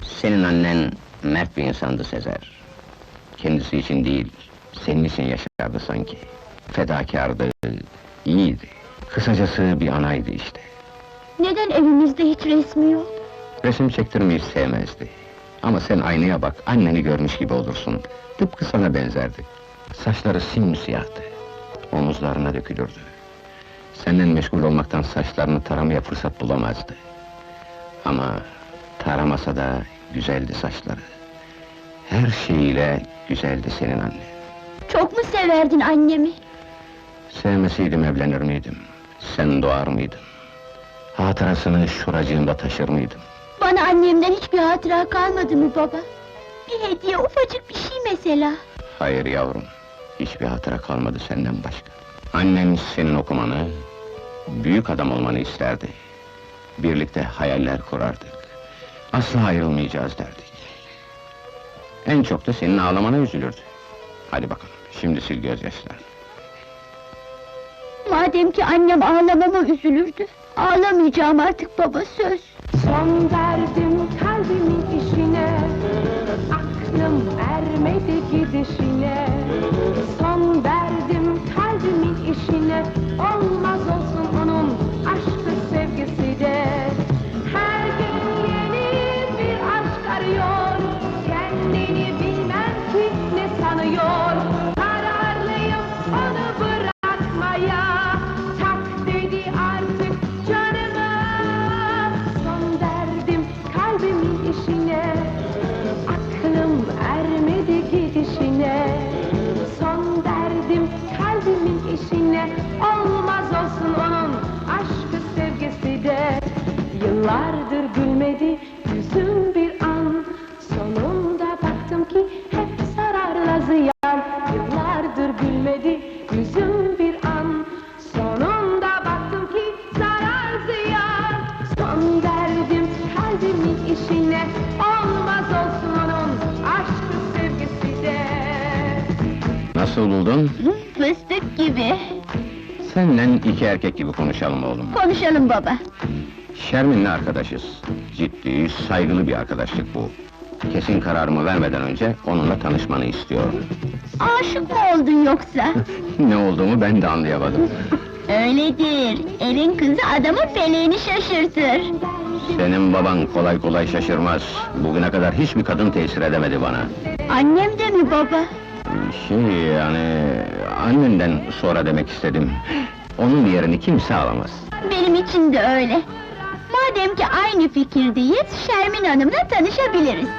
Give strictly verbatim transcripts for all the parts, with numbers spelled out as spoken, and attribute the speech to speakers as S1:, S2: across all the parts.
S1: Senin annen mert bir insandı Sezer. Kendisi için değil, senin için yaşardı sanki. Fedakardı, iyiydi. Kısacası bir anaydı işte.
S2: Neden evimizde hiç resmi yok?
S1: Resim çektirmeyi sevmezdi. Ama sen aynaya bak, anneni görmüş gibi olursun. Tıpkı sana benzerdi. Saçları simsiyahtı. Omuzlarına dökülürdü. Senden meşgul olmaktan saçlarını taramaya fırsat bulamazdı. Ama taramasa da güzeldi saçları. Her şeyiyle güzeldi senin annen.
S2: Çok mu severdin annemi?
S1: Sevmeseydim evlenir miydim? Sen doğar mıydın? Hatırasını şuracığımda taşır mıydım?
S2: Bana annemden hiçbir hatıra kalmadı mı baba? Bir hediye, ufacık bir şey mesela.
S1: Hayır yavrum, hiçbir hatıra kalmadı senden başka. Annen senin okumanı, büyük adam olmanı isterdi. Birlikte hayaller kurardık. Asla ayrılmayacağız derdik. En çok da senin ağlamana üzülürdü. Hadi bakalım, şimdi sil gözyaşlarını.
S2: Madem ki annem ağlamama üzülürdü, ağlamayacağım artık baba, söz.
S3: Son verdim kalbimin işine, aklım ermedi gidişine. Son verdim kalbimin işine, olmaz olsun onun aşkı sevgisi de. Her gün yeni bir aşk arıyor, kendini bilmem ki ne sanıyor. Kararlıyım onu bırakmaya, tak dedi artık canıma. Son verdim kalbimin işine, aklım ermedi gidişine. Son verdim kalbimin işine, olmaz olsun onun aşkı sevgisi de. Yıllardır gülmedi yüzüm bir an, sonunda baktım ki hep zararla ziyan. Yıllardır gülmedi yüzüm bir an, sonunda baktım ki zarar ziyan. Son verdim kalbimin işine, olmaz olsun onun aşkı sevgisi de.
S1: Nasıl buldun?
S2: Fıstık gibi.
S1: Senden iki erkek gibi konuşalım oğlum.
S2: Konuşalım baba.
S1: Şermin'le arkadaşız. Ciddi, saygılı bir arkadaşlık bu. Kesin kararımı vermeden önce onunla tanışmanı istiyorum.
S2: Aşık mı oldun yoksa?
S1: Ne olduğumu ben de anlayamadım.
S2: Öyledir. Elin kızı adamın feleğini şaşırtır.
S1: Senin baban kolay kolay şaşırmaz. Bugüne kadar hiçbir kadın tesir edemedi bana.
S2: Annem de mi baba?
S1: Şey yani... annenden sonra demek istedim. Onun yerini kimse alamaz.
S2: Benim için de öyle. Madem ki aynı fikirdeyiz, Şermin Hanım'la tanışabiliriz.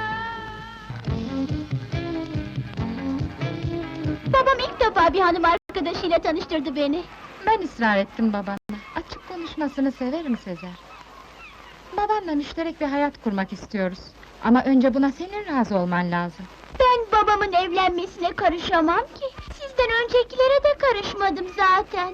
S2: Babam ilk defa bir hanım arkadaşıyla tanıştırdı beni.
S4: Ben ısrar ettim babana. Açık konuşmasını severim Sezer. Babamla müşterek bir hayat kurmak istiyoruz. Ama önce buna senin razı olman lazım.
S2: Ben babamın evlenmesine karışamam ki. Sizden öncekilere de karışmadım zaten.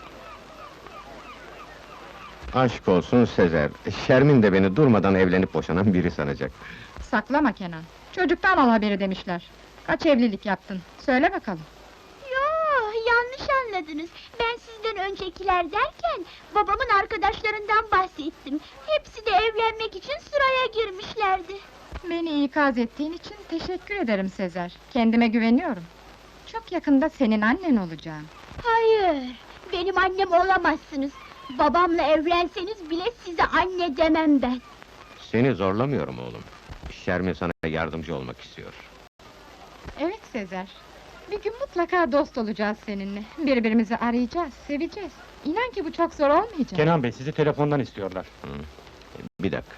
S1: Aşk olsun Sezer. Şermin de beni durmadan evlenip boşanan biri sanacak.
S4: Saklama Kenan. Çocuktan al haberi demişler. Kaç evlilik yaptın? Söyle bakalım.
S2: Yo, yanlış anladınız. Ben sizden öncekiler derken babamın arkadaşlarından bahsettim. Hepsi de evlenmek için sıraya girmişlerdi.
S4: Beni ikaz ettiğin için teşekkür ederim Sezer. Kendime güveniyorum. Çok yakında senin annen olacağım.
S2: Hayır, benim annem olamazsınız. Babamla evlenseniz bile size anne demem ben.
S1: Seni zorlamıyorum oğlum. Şermin sana yardımcı olmak istiyor.
S4: Evet Sezer. Bir gün mutlaka dost olacağız seninle. Birbirimizi arayacağız, seveceğiz. İnan ki bu çok zor olmayacak.
S5: Kenan Bey, sizi telefondan istiyorlar.
S1: Hı. Bir dakika.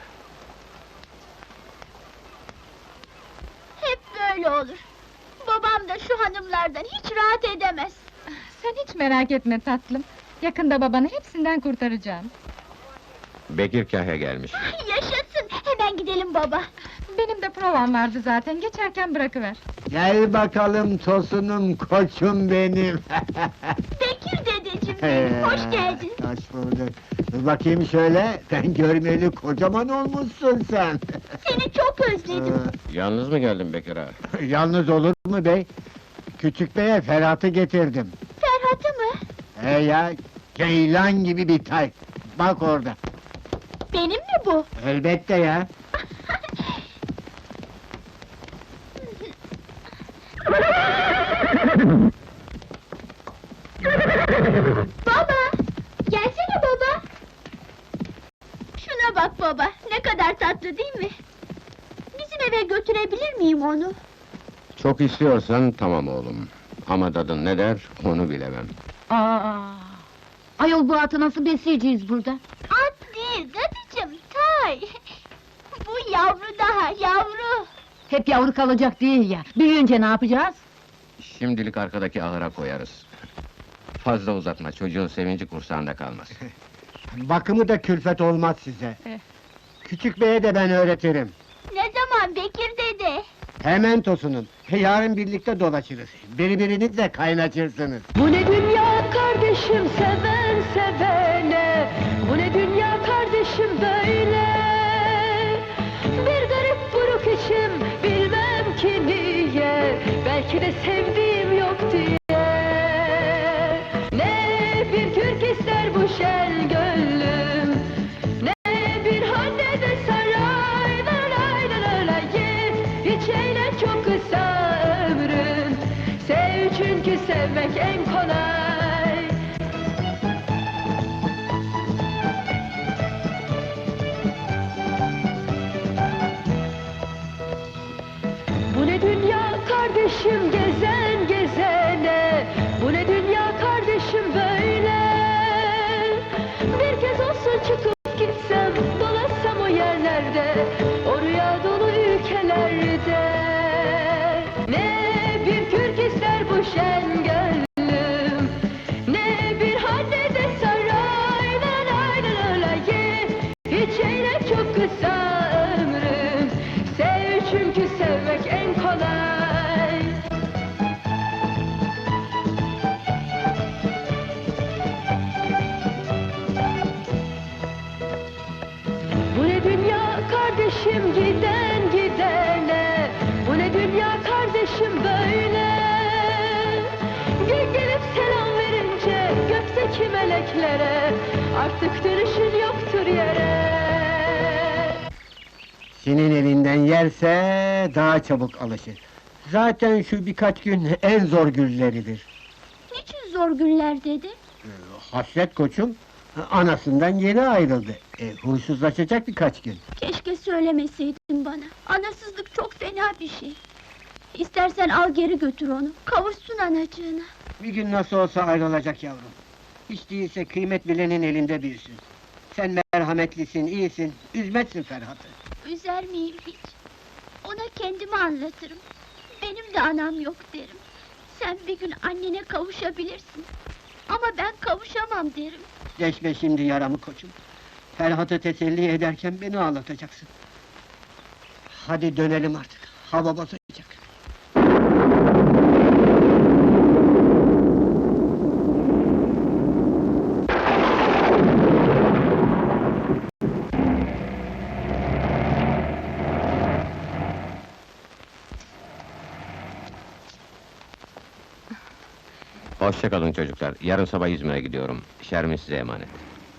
S2: Hep böyle olur. Babam da şu hanımlardan hiç rahat edemez.
S4: Sen hiç merak etme tatlım. Yakında babanı hepsinden kurtaracağım.
S1: Bekir Kahya gelmiş.
S2: Yaşasın, hemen gidelim baba.
S4: Benim de provam vardı zaten, geçerken bırakıver.
S6: Gel bakalım tosunum, koçum benim.
S2: Bekir dedeciğim benim, hoş geldin.
S6: Hoş bulduk. Dur bakayım şöyle, sen görmeli kocaman olmuşsun sen.
S2: Seni çok özledim.
S1: Yalnız mı geldin Bekir ağa?
S6: Yalnız olur mu bey? Küçük beye Ferhat'ı getirdim.
S2: Ferhat'ı mı?
S6: He ya, ceylan gibi bir tay. Bak orada.
S2: Benim mi bu?
S6: Elbette ya.
S2: Baba! Gelsene baba! Şuna bak baba, ne kadar tatlı değil mi? Bizim eve götürebilir miyim onu?
S1: Çok istiyorsan tamam oğlum. Ama dadın ne der, onu bilemem.
S7: Aa, ayol bu atı nasıl besleyeceğiz burada?
S2: At değil, dadıcım, tay! Bu yavru daha, yavru!
S7: Hep yavru kalacak değil ya. Büyüyünce ne yapacağız?
S1: Şimdilik arkadaki ahıra koyarız. Fazla uzatma, çocuğun sevinci kursağında kalmaz.
S6: Bakımı da külfet olmaz size.
S7: Eh.
S6: Küçük beye de ben öğretirim.
S2: Ne zaman Bekir dede?
S6: Hemen tosunun. Yarın birlikte dolaşırız. Birbirinizle kaynaşırsınız.
S3: Bu ne dünya kardeşim seven sevene. Bu ne dünya kardeşim böyle. Bir garip buruk içim bilmem ki niye. Belki de sevdiğim yok diye. Ne bir kürk ister bu şen gönlüm, ne bir hanne de saray. La la la la la ye. Hiç eğlen çok kısa ömrüm. Sev çünkü sevmek en kolay. Bu ne dünya kardeşim gezen gezene. Bu ne dünya kardeşim böyle. Bir kez olsun çıkıp gitsem, dolaşsam o yerlerde, o rüya dolu ülkelerde. Ne bir kürk ister bu şen gönlüm, ne bir hanne de saray. La la la la la ye. Hiç eğlen çok kısa ömrüm. Sev çünkü sevmek en kolay. Bu ne dünya kardeşim giden gidene. Bu ne dünya kardeşim böyle. Gül gelip selam verince gökteki meleklere, artık dönüşün yoktur yere.
S6: Senin elinden yerse daha çabuk alışır. Zaten şu birkaç gün en zor günleridir.
S2: Niçin zor günler dede?
S6: Hasret koçum, anasından yeni ayrıldı. E, huysuzlaşacak birkaç gün.
S2: Keşke söylemeseydin bana. Anasızlık çok fena bir şey. İstersen al geri götür onu, kavuşsun anacığına.
S6: Bir gün nasıl olsa ayrılacak yavrum. Hiç değilse kıymet bilenin elinde büyüsün. Sen merhametlisin, iyisin, üzmezsin Ferhat'ı.
S2: Üzer miyim hiç? Ona kendimi anlatırım. Benim de anam yok derim. Sen bir gün annene kavuşabilirsin. Ama ben kavuşamam derim.
S6: Deşme şimdi yaramı koçum. Ferhat'ı teselli ederken beni ağlatacaksın. Hadi dönelim artık, hava basacak.
S1: Hoşça kalın çocuklar, yarın sabah İzmir'e gidiyorum. Şermin size emanet.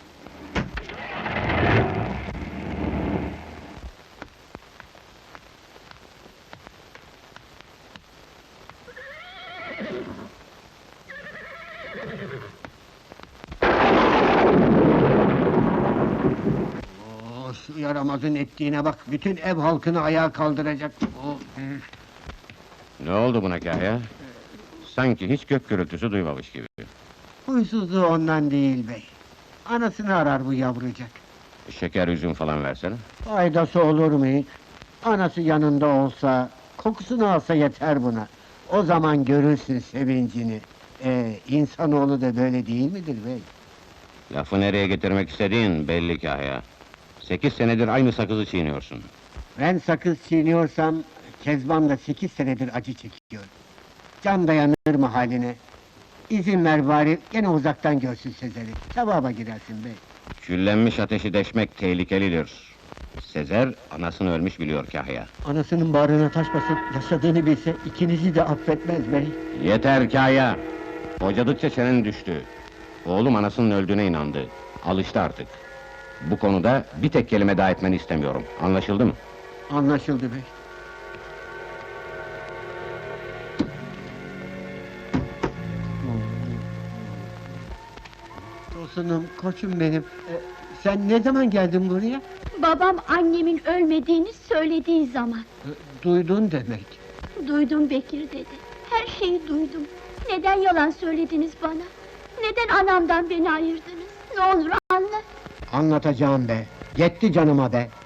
S6: Oo, şu yaramazın ettiğine bak, bütün ev halkını ayağa kaldıracak. Oo, üf.
S1: Ne oldu buna Kahya? Sanki hiç gök gürültüsü duymamış gibi.
S6: Huysuzluğu ondan değil bey. Anasını arar bu yavrucak.
S1: Şeker, üzüm falan versene.
S6: Faydası olur mu hiç? Anası yanında olsa, kokusunu alsa yeter buna. O zaman görürsün sevincini. Ee, insanoğlu da böyle değil midir bey?
S1: Lafı nereye getirmek istediğin belli Kahya. Sekiz senedir aynı sakızı çiğniyorsun.
S6: Ben sakız çiğniyorsam, Kezban da sekiz senedir acı çekiyor. Can dayanır mı haline? İzin ver bari, gene uzaktan görsün Sezer'i. Sevaba girersin bey.
S1: Küllenmiş ateşi deşmek tehlikelidir. Sezer, anasını ölmüş biliyor Kahya.
S6: Anasının bağrına taş basıp yaşadığını bilse, ikinizi de affetmez bey.
S1: Yeter Kahya! Hocadıkça çenen düştü. Oğlum anasının öldüğüne inandı. Alıştı artık. Bu konuda bir tek kelime daha etmeni istemiyorum. Anlaşıldı mı?
S6: Anlaşıldı bey. Tosunum, koçum benim. Ee, sen ne zaman geldin buraya?
S2: Babam annemin ölmediğini söylediği zaman.
S6: Ee, duydun demek.
S2: Duydum Bekir dedi. Her şeyi duydum. Neden yalan söylediniz bana? Neden anamdan beni ayırdınız? Ne olur anlat.
S6: Anlatacağım be. Yetti canıma be.